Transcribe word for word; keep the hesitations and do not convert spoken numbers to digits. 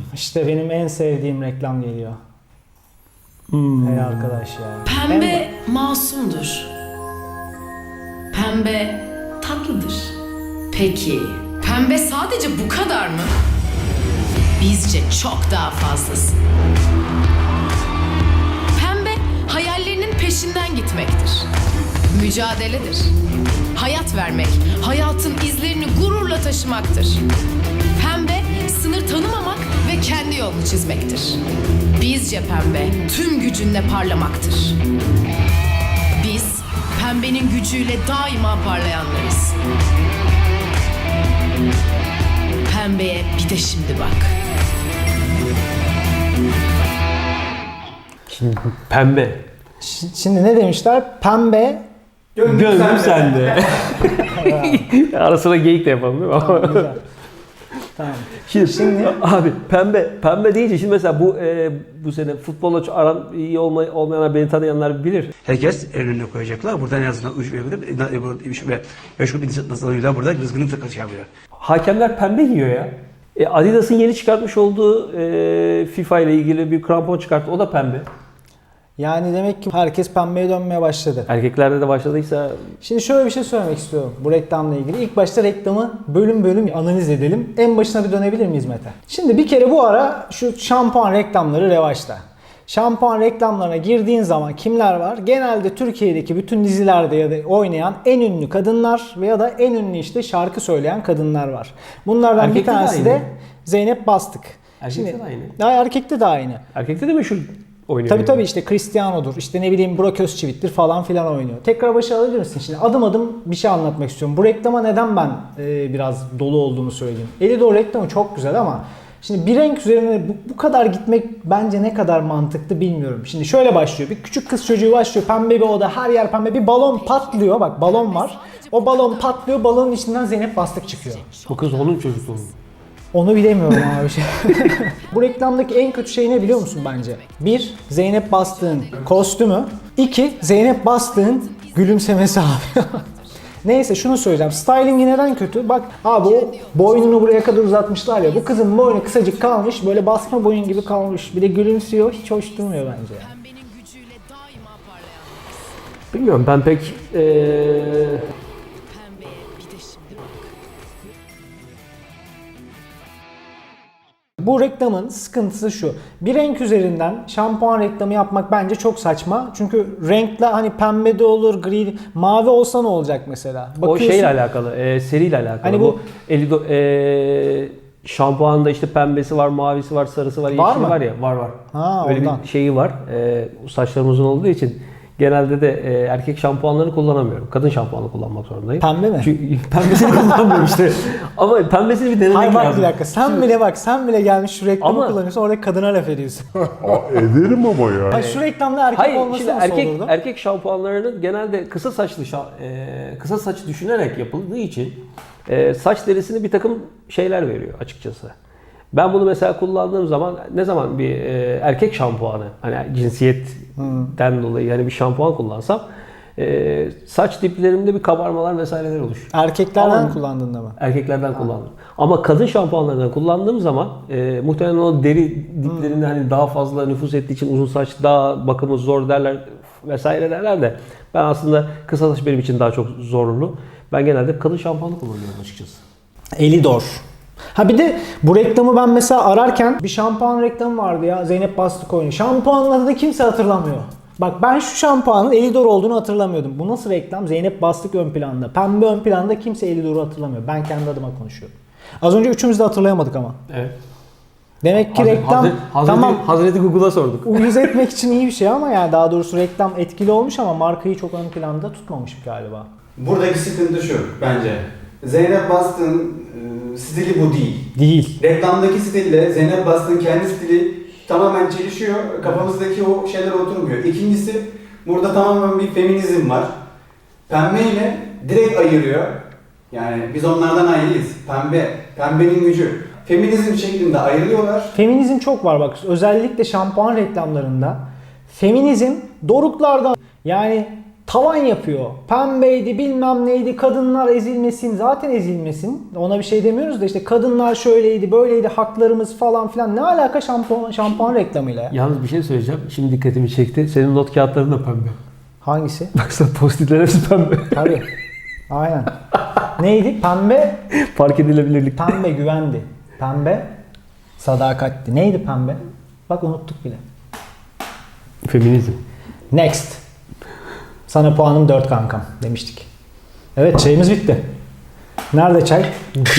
İşte benim en sevdiğim reklam geliyor. Hmm. Hey arkadaş ya. Pembe En... masumdur. Pembe tatlıdır. Peki, pembe sadece bu kadar mı? Bizce çok daha fazlası. Pembe, hayallerinin peşinden gitmektir. Mücadeledir. Hayat vermek, hayatın izlerini gururla taşımaktır. Pembe, sınır tanımamak ve kendi yolunu çizmektir. Bizce pembe, tüm gücünle parlamaktır. Biz, pembenin gücüyle daima parlayanlarız. Pembeye bir de şimdi bak. Şimdi pembe. Şimdi ne demişler? Pembe Gönlüm, Gönlüm sende. Ara sıra geyik de yapalım değil mi? Tamam, güzel. Tamam. Şimdi, şimdi abi pembe pembe deyince şimdi mesela bu e, bu sene futbolla aran iyi olmay, olmayanlar beni tanıyanlar bilir. Herkes önüne koyacaklar. Buradan en azından üç ve üç ve beş grup insanlarıyla burada rızkını takılacaklar. Hakemler pembe giyiyor ya. E, Adidas'ın yeni çıkartmış olduğu e, FIFA ile ilgili bir krampon çıkarttı. O da pembe. Yani demek ki herkes pembeye dönmeye başladı. Erkeklerde de başladıysa... Şimdi şöyle bir şey söylemek istiyorum bu reklamla ilgili. İlk başta reklamı bölüm bölüm analiz edelim. En başına bir dönebilir miyiz Mete? Şimdi bir kere bu ara şu şampuan reklamları revaçta. Şampuan reklamlarına girdiğin zaman kimler var? Genelde Türkiye'deki bütün dizilerde ya da oynayan en ünlü kadınlar veya da en ünlü işte şarkı söyleyen kadınlar var. Bunlardan Erkekte bir tanesi de, de Zeynep Bastık. Erkekte Şimdi, de aynı. Daha erkekte de aynı. Erkekte de meşhur oynuyor. Tabii tabii işte Cristiano'dur, işte ne bileyim Burak Özçivit'tir falan filan oynuyor. Tekrar başa alabilir misin? Şimdi adım adım bir şey anlatmak istiyorum. Bu reklama neden ben e, biraz dolu olduğumu söyleyeyim. Elidor reklamı çok güzel ama şimdi bir renk üzerine bu, bu kadar gitmek bence ne kadar mantıklı bilmiyorum. Şimdi şöyle başlıyor. Bir küçük kız çocuğu başlıyor. Pembe bir oda, her yer pembe. Bir balon patlıyor. Bak balon var. O balon patlıyor. Balonun içinden Zeynep Bastık çıkıyor. Bu kız onun çocukluğu. Onu bilemiyorum abi. Bu reklamdaki en kötü şey ne biliyor musun bence? Bir, Zeynep Bastık'ın kostümü. İki, Zeynep Bastık'ın gülümsemesi abi. Neyse şunu söyleyeceğim. Stylingi neden kötü? Bak abi o boynunu buraya kadar uzatmışlar ya. Bu kızın boynu kısacık kalmış. Böyle basma boyun gibi kalmış. Bir de gülümsüyor. Hiç hoş durmuyor bence. Pembenin gücüyle daima parlayan. Bilmiyorum ben pek... Ee... Pembeye bir de şimdi bak. Bu reklamın sıkıntısı şu. Bir renk üzerinden şampuan reklamı yapmak bence çok saçma. Çünkü renkle hani pembe de olur, gri, mavi olsa ne olacak mesela? O şeyle alakalı, e, seriyle alakalı. Hani bu, bu Elido, e, şampuanda işte pembesi var, mavisi var, sarısı var, Var yeşili mı? var ya. Var var. Ha, Öyle ondan. bir şeyi var. E, saçlarım uzun olduğu için genelde de e, erkek şampuanlarını kullanamıyorum. Kadın şampuanı kullanmak zorundayım. Pembe mi? Çünkü pembesini kullanmıyorum işte. Ama pembesini bir denemek Hayır bak lazım. bir dakika. Sen Şimdi- bile bak sen bile gelmiş şu reklamı Ama- kullanıyorsun. Orada kadına laf ediyorsun. Aa, ederim ama ya. Hayır, şu reklamda erkek Hayır, olması şimdi nasıl erkek olurdu? erkek şampuanlarının genelde kısa saçlı şa- e, kısa saç düşünerek yapıldığı için e, saç derisine bir takım şeyler veriyor açıkçası. Ben bunu mesela kullandığım zaman ne zaman bir e, erkek şampuanı hani cinsiyetten dolayı yani bir şampuan kullansam e, saç diplerimde bir kabarmalar vesaireler oluşuyor. Erkeklerden Ama- kullandığında mı? Erkeklerden kullandım. Ama kadın şampuanlarından kullandığım zaman e, muhtemelen o deri diplerinde hani daha fazla nüfuz ettiği için uzun saç daha bakımı zor derler vesaire derler de ben aslında kısa saç benim için daha çok zorlu. Ben genelde kadın şampuanı kullanıyorum açıkçası. Elidor. Ha bir de bu reklamı ben mesela ararken bir şampuan reklamı vardı ya. Zeynep Bastık oynuyor. Şampuanın adını kimse hatırlamıyor. Bak ben şu şampuanın Elidor olduğunu hatırlamıyordum. Bu nasıl reklam? Zeynep Bastık ön planda. Pembe ön planda kimse Elidor'u hatırlamıyor. Ben kendi adıma konuşuyorum. Az önce üçümüz de hatırlayamadık ama. Evet. Demek ki Hazreti, reklam Hazreti, tamam Hazreti Google'a sorduk. uyuz etmek için iyi bir şey ama yani daha doğrusu reklam etkili olmuş ama markayı çok ön planda tutmamış galiba. Buradaki sıkıntı şu bence. Zeynep Bastık'ın e, stili bu değil. Değil. Reklamdaki stille Zeynep Bastık'ın kendi stili tamamen çelişiyor. Kafamızdaki o şeyler oturmuyor. İkincisi burada tamamen bir feminizm var. Pembe ile direkt ayırıyor. Yani biz onlardan ayrıyız. Pembe, pembenin gücü. Feminizm şeklinde ayrılıyorlar. Feminizm çok var bak özellikle şampuan reklamlarında. Feminizm doruklardan yani tavan yapıyor. Pembeydi bilmem neydi, kadınlar ezilmesin, zaten ezilmesin. Ona bir şey demiyoruz da işte kadınlar şöyleydi böyleydi, haklarımız falan filan. Ne alaka şampuan, şampuan reklamıyla ya? Yalnız bir şey söyleyeceğim. Şimdi dikkatimi çekti. Senin not kağıtların da pembe. Hangisi? Baksana postitler hepsi pembe. Tabii. Aynen. Neydi? Pembe, Fark edilebilirlik. pembe güvendi. Pembe sadakatti. Neydi pembe? Bak unuttuk bile. Feminizm. Next. Sana puanım dört kankam demiştik. Evet çayımız bitti. Nerede çay?